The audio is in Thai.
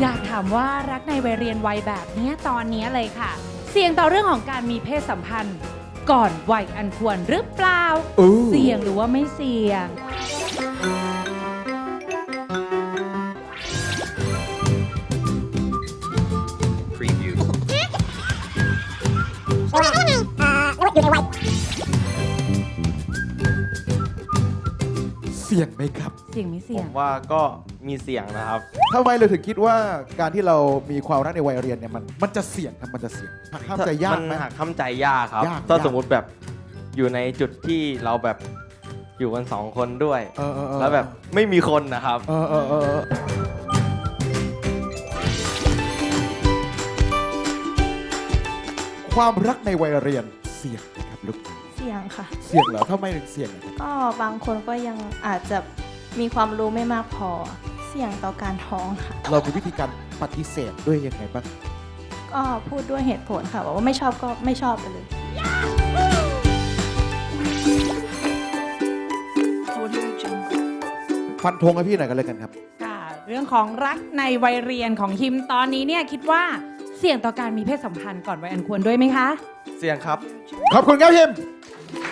อยากถามว่ารักในวัยเรียนวัยแบบนี้ตอนนี้เลยค่ะ เสี่ยงต่อเรื่องของการมีเพศสัมพันธ์ก่อนวัยอันควรหรือเปล่าเสี่ยงหรือว่าไม่เสี่ยงเสี่ยงไหมครับเสี่ยงไม่ผเสี่ยงมว่าก็มีเสี่ยงนะครับทำไมเราถึงคิดว่าการที่เรามีความรักในวัยเรียนเนี่ยมันจะเสี่ยงครับมันจะเสี่ยงหักห้ามใจยากไหมมันหักห้ามใจยากครับยากถ้าสมมุติแบบอยู่ในจุดที่เราแบบอยู่กันสองคนด้วย แล้วแบบไม่มีคนนะครับความรักในวัยเรียนเสี่ยงไหมครับลูกเสี่ยงค่ะเสี่ยงเหรอทำไมถึงเสี่ยงอะครับก็บางคนก็ยังอาจจะมีความรู้ไม่มากพอ เสี่ยงต่อการท้องค่ะเรามีวิธีการปฏิเสธด้วยยังไงบ้างก็พูดด้วยเหตุผลค่ะบอกว่าไม่ชอบก็ไม่ชอบไปเลยฟันธงให้พี่หน่อยกันเลยกันครับค่ะ เรื่องของรักในวัยเรียนของฮิมตอนนี้เนี่ยคิดว่าเสี่ยงต่อการมีเพศสัมพันธ์ก่อนวัยอันควรด้วยไหมคะเสี่ยงครับขอบคุณครับพิม